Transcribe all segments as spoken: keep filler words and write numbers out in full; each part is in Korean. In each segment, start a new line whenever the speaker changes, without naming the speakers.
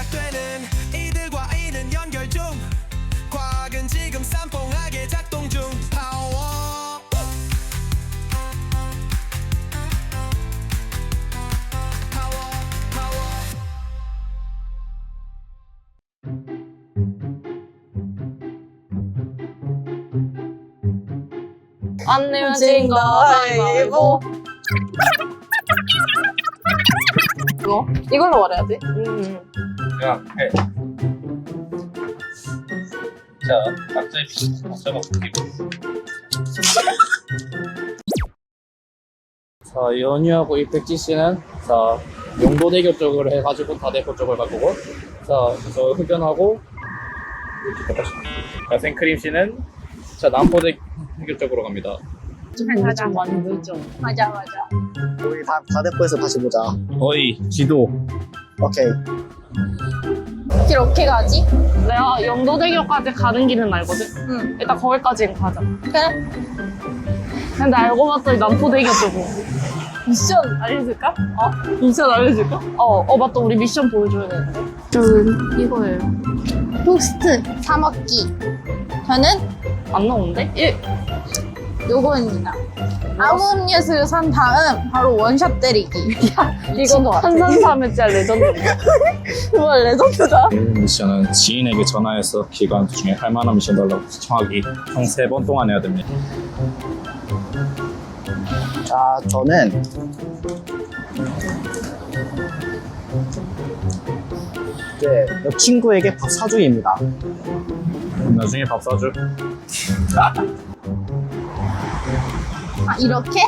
시작되는 이들과 이는 연결 중 과학은 지금 쌈뽕하게 작동 중 파워 파워 파워
안 내면 진거 가위바위보. 이거? 이걸로 말해야지. 음.
그냥 해. 자, 각자의 비전 각자가 바뀌고. 자, 연유하고 이 백지 씨는 자 용도대교 쪽으로 해가지고 다대포 쪽을 바꾸고, 자, 저 흡연하고 자, 생크림 씨는 자 남포대교 쪽으로 갑니다.
맞아, 많이 늦죠. 맞아, 맞아.
우리 다 다대포에서 다시 보자.
어이 지도.
오케이.
길 어떻게 가지? 내가 영도대교까지 가는 길은 알거든? 응. 일단 거기까지는 가자. 그래. 근데 알고 봤더니 남포대교 쪽으로. 미션 알려줄까? 어? 미션 알려줄까? 어, 어 맞다. 우리 미션 보여줘야 되는데. 저는 이거예요.
토스트 사 먹기. 저는
안 나오는데? 일.
요거입니다. 아무 음료수를 산 다음 바로 원샷 때리기.
이거 한산삼회짜 레전드인데.
정말 레전드다.
이 미션은 지인에게 전화해서 기간 중에 할 만한 미션 달라고 시청하기 총 세 번 동안 해야 됩니다.
자, 저는 네, 여 친구에게 밥 사주기입니다.
나중에 밥 사줄.
아, 이렇게?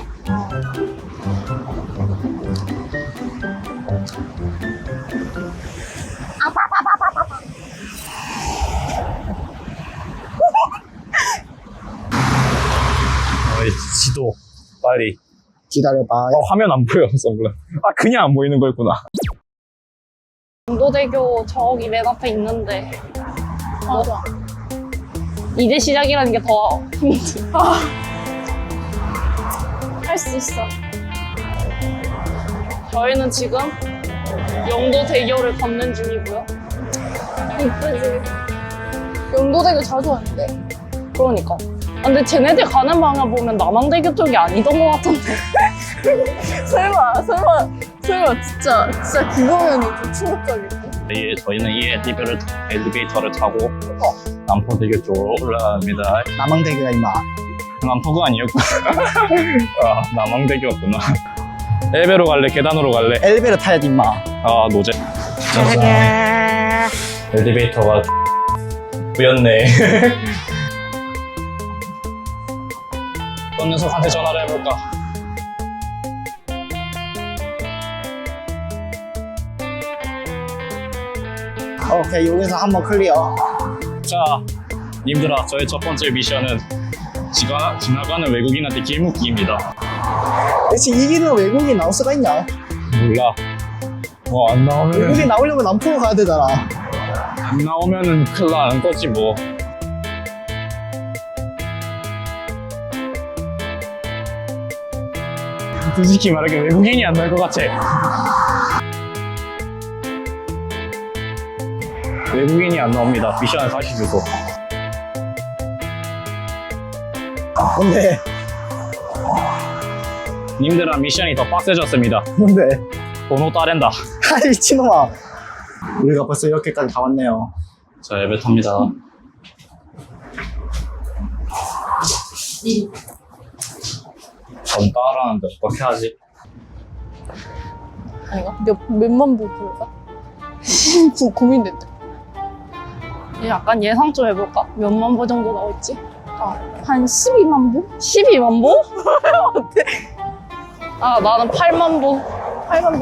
어이 지도 빨리.
기다려봐.
어, 화면 안 보여. 선글라. 아 그냥 안 보이는 거였구나.
영도대교 저기 맨 앞에 있는데
맞아.
이제 시작이라는 게 더 힘들어.
할 수 있어.
저희는 지금 영도대교를 걷는 중이고요.
이쁘지. 영도대교 자주 왔는데.
그러니까. 아, 근데 쟤네들 가는 방향 보면 남항대교 쪽이 아니던 것 같은데.
설마, 설마, 설마 진짜, 진짜 그거면 좀 충격적인데.
이, 저희는 이 엘리베이터를, 엘리베이터를 타고 어, 남포대교 쪽으로 올라갑니다.
남항대교가 임마.
남포가 아니었구나. 아, 남항대교였구나. 엘베로 갈래? 계단으로 갈래?
엘리베이터 타야지 임마.
아 노제. 짜잔. 엘리베이터가 뿌였네. 어떤 녀석한테 전화를 해볼까?
오케이, 여기서 한번 클리어.
자, 님들아, 저의 첫 번째 미션은 지가, 지나가는 외국인한테 길묻기입니다.
대체 이기는 외국인 나올 수가 있냐?
몰라. 뭐 안 나오면은
외국인 나오려면 남포로 가야 되잖아.
안 나오면은 큰일 나는 거지 뭐. 솔직히 말하기에 외국인이 안 나올 것 같아. 외국인이 안 나옵니다. 미션을 다시 주소.
뭔데?
님들아, 미션이 더 빡세졌습니다.
뭔데?
번호 따랜다.
아, 미친놈아. 우리가 벌써 이렇게까지 다 왔네요.
자, 예배 탑니다. 전 따라하는데 어떻게 하지?
아닌가? 몇, 몇만 보 볼까? 고, 고민된다.
약간 예상 좀 해볼까? 몇만 보 정도 나올지?
한 십이만 보?
십이만 보? 어때? 아, 나는 팔만 보.
팔만 보?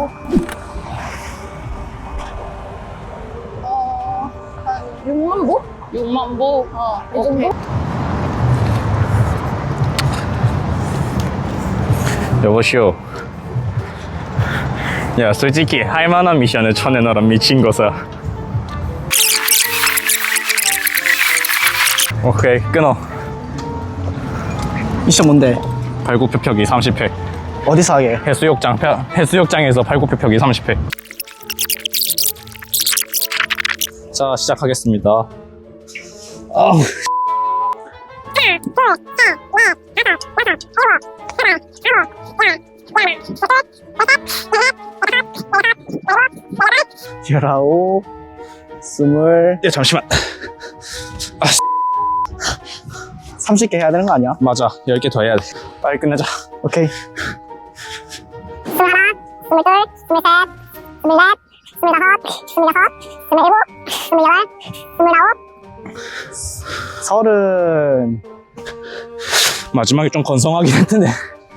어, 한 육만 보?
육만 보?
어, 이
오케이.
정도?
여보시오. 야, 솔직히 할 만한 미션을 쳐내놔라, 미친 것아. 오케이, 끊어.
미션 뭔데?
발굽표펴기 삼십 회.
어디서 하게?
해수욕장, 펴- 해수욕장에서 발굽표펴기 삼십 회. 자, 시작하겠습니다. 아우.
열아홉, 스물,
야, 잠시만.
삼십 개 해야 되는 거 아니야?
맞아. 열 개 더 해야 돼. 빨리 끝내자.
오케이.
스물하나, 스물둘, 스물셋, 스물넷, 스물다섯, 스물여섯, 스물일곱, 스물여덟, 스물아홉,
서른.
마지막에 좀 건성하긴 했는데.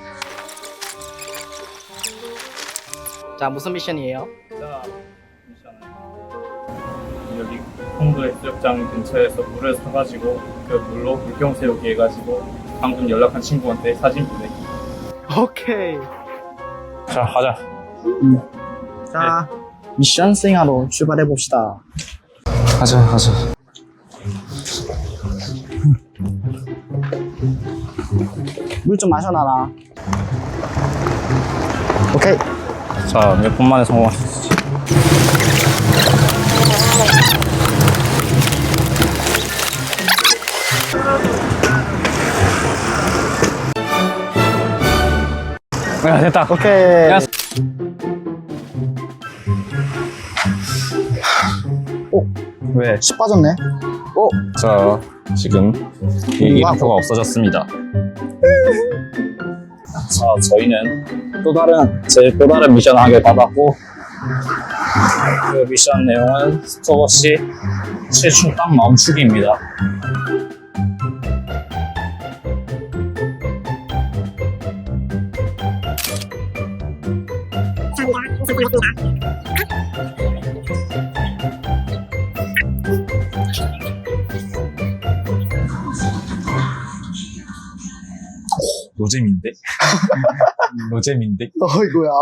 자, 무슨 미션이에요?
자, 미션은 여기 홍도 해수욕장 근처에서 물을 사가지고 그 물로 물병 세우기 해가지고 방금 연락한 친구한테 사진 보내기.
오케이.
자, 가자.
자, 미션 수행하러 출발해 봅시다.
가자, 가자.
물 좀 마셔놔라. 오케이.
자, 몇 분 만에 성공하셨지? 야, 됐다.
오케이.
야.
오,
왜?
십 빠졌네. 오,
자, 지금 이 이름표가 없어졌습니다. 자, 저희는 또 다른, 제 또 다른 미션을 하게 받았고, 그 미션 내용은 스톱워치 칠 초 딱 멈추기입니다. 노잼인데? 노잼인데?
어이구야.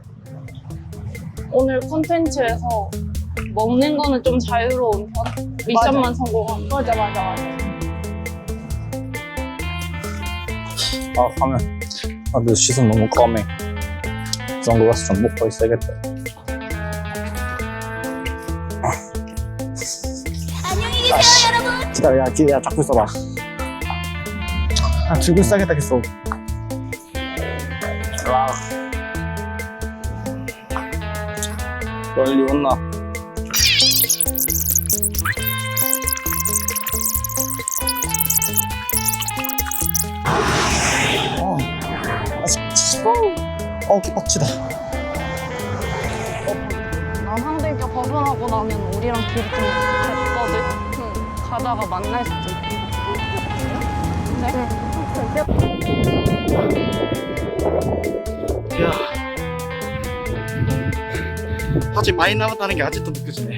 오늘 콘텐츠에서 먹는 거는 좀 자유로운 편? 미션만 성공한. 맞아, 맞아, 맞아.
아, 화면. 아, 내 시선 너무 까매. 그 정도 가서 좀 먹고 있어야겠다.
안녕히 계세요, 여러분.
기다려, 야, 뒤에 야, 잡고 있어봐. 아, 들고 있어야겠다, 계속.
아. 빨리 온나?
어, 아, 씨, 어, 기빡치다.
남항대교 벗어나고 나면 우리랑 길이 좀 같거든? 응. 가다가 만날 수도 있고. 네?
야, 아직 많이 남았다는 게 아직도 느껴지네.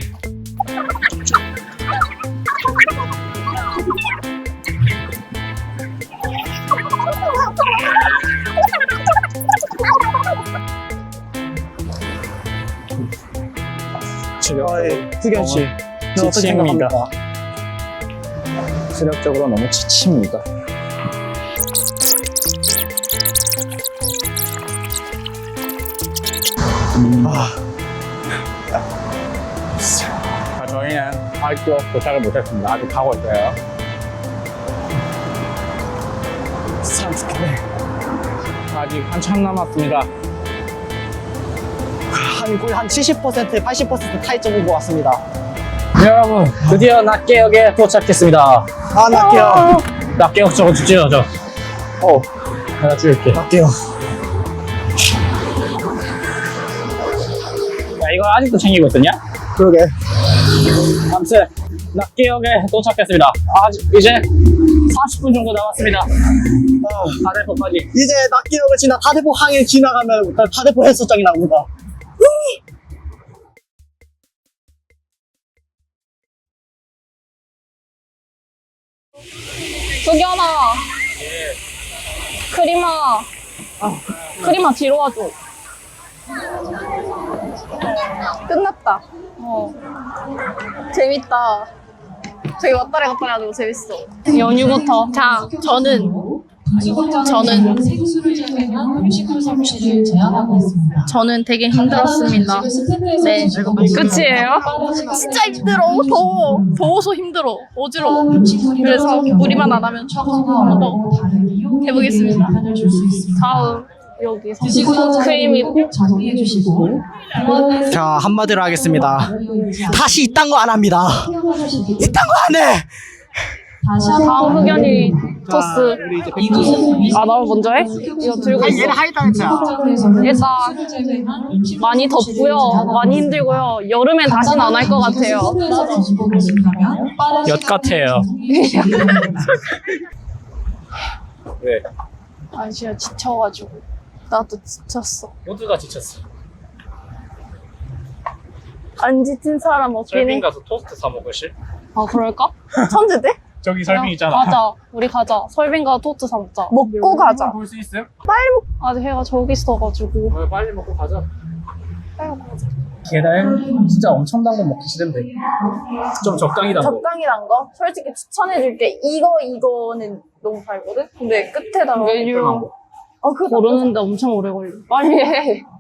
저의 흑연 씨, 너 어떻게
지칩니다.
생각합니까?
체력적으로 너무 지칩니다.
아,
자, 저희는 학교 도착을 못했습니다. 아직 가고 있어요.
사람 죽겠네.
아직 한참 남았습니다.
한 거의 한 칠십 퍼센트, 팔십 퍼센트 타이점 오고 왔습니다.
네, 여러분, 드디어 낙계역에 도착했습니다.
아, 낙게요.
낙계역 저거 주죠, 저. 어, 내가 줄게. 야,
낙게요.
이거 아직도 챙기고 있었냐?
그러게.
아무튼 낙계역에 도착했습니다. 아직 이제 사십 분 정도 남았습니다. 다대포까지.
이제 낙계역을 지나 다대포 항을 지나가면 다대포 해수욕장이 나옵니다.
수견아. 크리마. 크리마 뒤로 와줘.
끝났다.
어.
재밌다. 저기 왔다리 갔다리 하고 재밌어.
연유부터.
자, 저는 저는
생수를 제공한 뮤지컬 사무실을 제안하고 있습니다.
저는 되게 힘들었습니다. 네.
끝이에요?
진짜 힘들어. 더워. 더워서 힘들어. 어지러워. 그래서 무리만 안 하면 한번 더 해보겠습니다.
다음 여기서 크림이
적용해 주시고
자, 한마디로 하겠습니다. 다시 이딴 거 안 합니다. 이딴 거 안 해!
다시 한번
다음 흑연이 토스.
이곳은
아, 나 먼저 해? 이거 들고 있어. 일단 많이 덥고요, 많이 힘들고요. 여름엔 다시는 안 할 것 같아요.
엿 같아요. 왜?
아, 진짜 지쳐가지고. 나도 지쳤어.
모두가 지쳤어.
안 지친 사람 없긴 해.
설빙 가서 토스트 사 먹으실?
아, 그럴까? 천재대?
저기 설빙 있잖아.
가자. 우리 가자. 설빙가 토트 사 먹자.
먹고 가자.
볼 수 있음?
아직 해가 저기 있어가지고.
어, 빨리 먹고 가자.
계란 진짜 엄청난 거 먹기 싫은데.
좀 적당히 담고.
적당히 난 거? 솔직히 추천해줄게. 이거, 이거는 너무 달거든? 근데 끝에다가.
메뉴
어, 그거
고르는데 엄청 오래 걸려. 빨리 해.